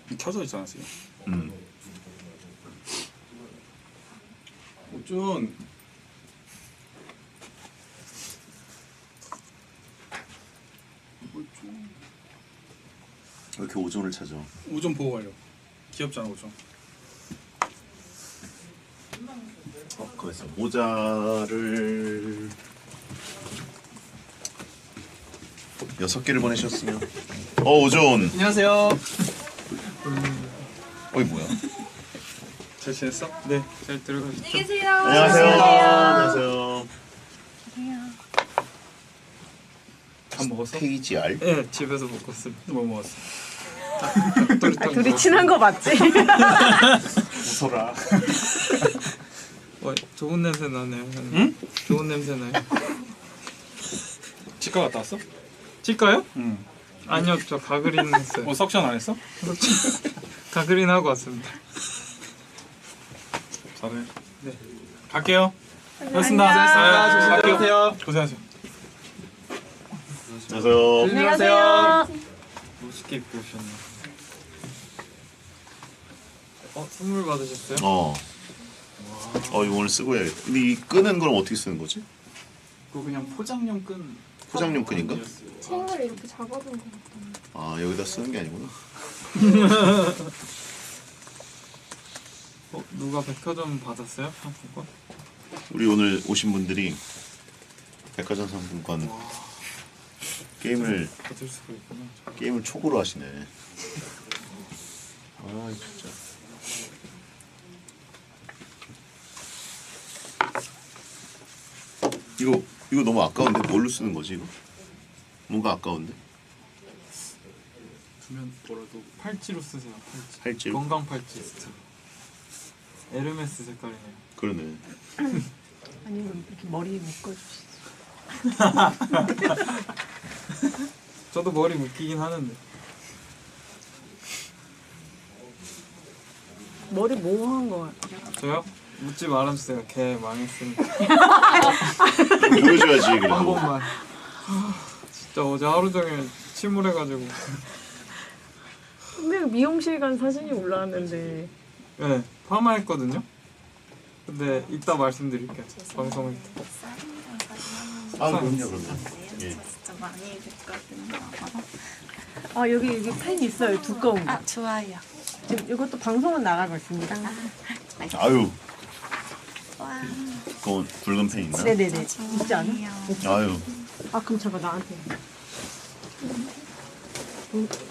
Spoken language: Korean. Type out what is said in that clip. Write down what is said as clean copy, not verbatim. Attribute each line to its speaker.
Speaker 1: 켜져 있잖아 지금.
Speaker 2: 오준
Speaker 3: 왜 이렇게 오존을 찾아?
Speaker 1: 오전 보고 가려고. 귀엽잖아 오전.
Speaker 3: 거기서 모자를 6개를 보내셨으면 오존
Speaker 1: 안녕하세요.
Speaker 3: 어이 뭐야?
Speaker 1: 잘 지냈어? 네, 잘 들어가시죠.
Speaker 4: 안녕히 계세요.
Speaker 3: 안녕하세요. 안녕하세요.
Speaker 1: 밥 먹었어?
Speaker 3: KGR
Speaker 1: 네, 집에서 먹었어. 뭐 먹었어?
Speaker 4: 둘이 친한 거 맞지?
Speaker 3: 웃어라.
Speaker 1: 좋은 냄새 나네요. 응? 좋은 냄새 나요.
Speaker 2: 치과 갔다 왔어?
Speaker 1: 치과요?
Speaker 2: 응.
Speaker 1: 아니요, 저 가그린 했어요.
Speaker 2: 뭐 석션 안 했어?
Speaker 1: 가그린 하고 왔습니다.
Speaker 2: 잘해.
Speaker 1: 네.
Speaker 2: 갈게요.
Speaker 1: 고맙습니다.
Speaker 2: 고생하셨습니다.
Speaker 1: 갈게요.
Speaker 2: 고생하세요.
Speaker 3: 안녕하세요.
Speaker 4: 안녕하세요.
Speaker 1: 멋있게 입고 오셨네. 선물 받으셨어요?
Speaker 3: 이거 오늘 쓰고 해야겠다. 근데 이 끈은 그럼 어떻게 쓰는 거지?
Speaker 1: 그거 그냥 포장용 끈.
Speaker 3: 포장용 끈인가?
Speaker 5: 책을 이렇게 잡아둔 거 같아.
Speaker 3: 아 여기다 쓰는 게 아니구나.
Speaker 1: 누가 백화점 받았어요? 상품권?
Speaker 3: 우리 오늘 오신 분들이 백화점 상품권 게임을
Speaker 1: 받을 수가 있구나.
Speaker 3: 초고로 하시네. 아 진짜. 이거 너무 아까운데 뭘로 쓰는 거지 이거? 뭔가 아까운데?
Speaker 1: 두면 뭐라도 팔찌로 쓰세요. 팔찌.
Speaker 3: 팔찌로?
Speaker 1: 건강 팔찌 진짜. 에르메스 색깔이네요.
Speaker 3: 그러네.
Speaker 4: 아니면 이렇게 머리에 묶어주시죠.
Speaker 1: 저도 머리 묶이긴 하는데.
Speaker 4: 머리 모호한 거 같아요.
Speaker 1: 저요? 묻지 말아주세요. 걔 망했으니까.
Speaker 3: 보여줘야지
Speaker 1: 한
Speaker 3: 그래도.
Speaker 1: 번만. 진짜 어제 하루 종일 침울해가지고.
Speaker 4: 근데 미용실 간 사진이 올라왔는데
Speaker 1: 네, 파마했거든요. 근데 이따 말씀드릴게요. 방송을 때.
Speaker 3: 아 그럼요 그럼요. 예.
Speaker 5: 진짜 많이 됐거든요.
Speaker 4: 아 여기 펜 있어요 두꺼운 거.
Speaker 5: 아 좋아요.
Speaker 4: 지금 이것도 방송은 나가고 있습니다.
Speaker 3: 아유
Speaker 5: 와.
Speaker 3: 그건 붉은 펜 있나?
Speaker 4: 네네네 있지 않아?
Speaker 3: 아유
Speaker 4: 아 그럼 잠깐 나한테.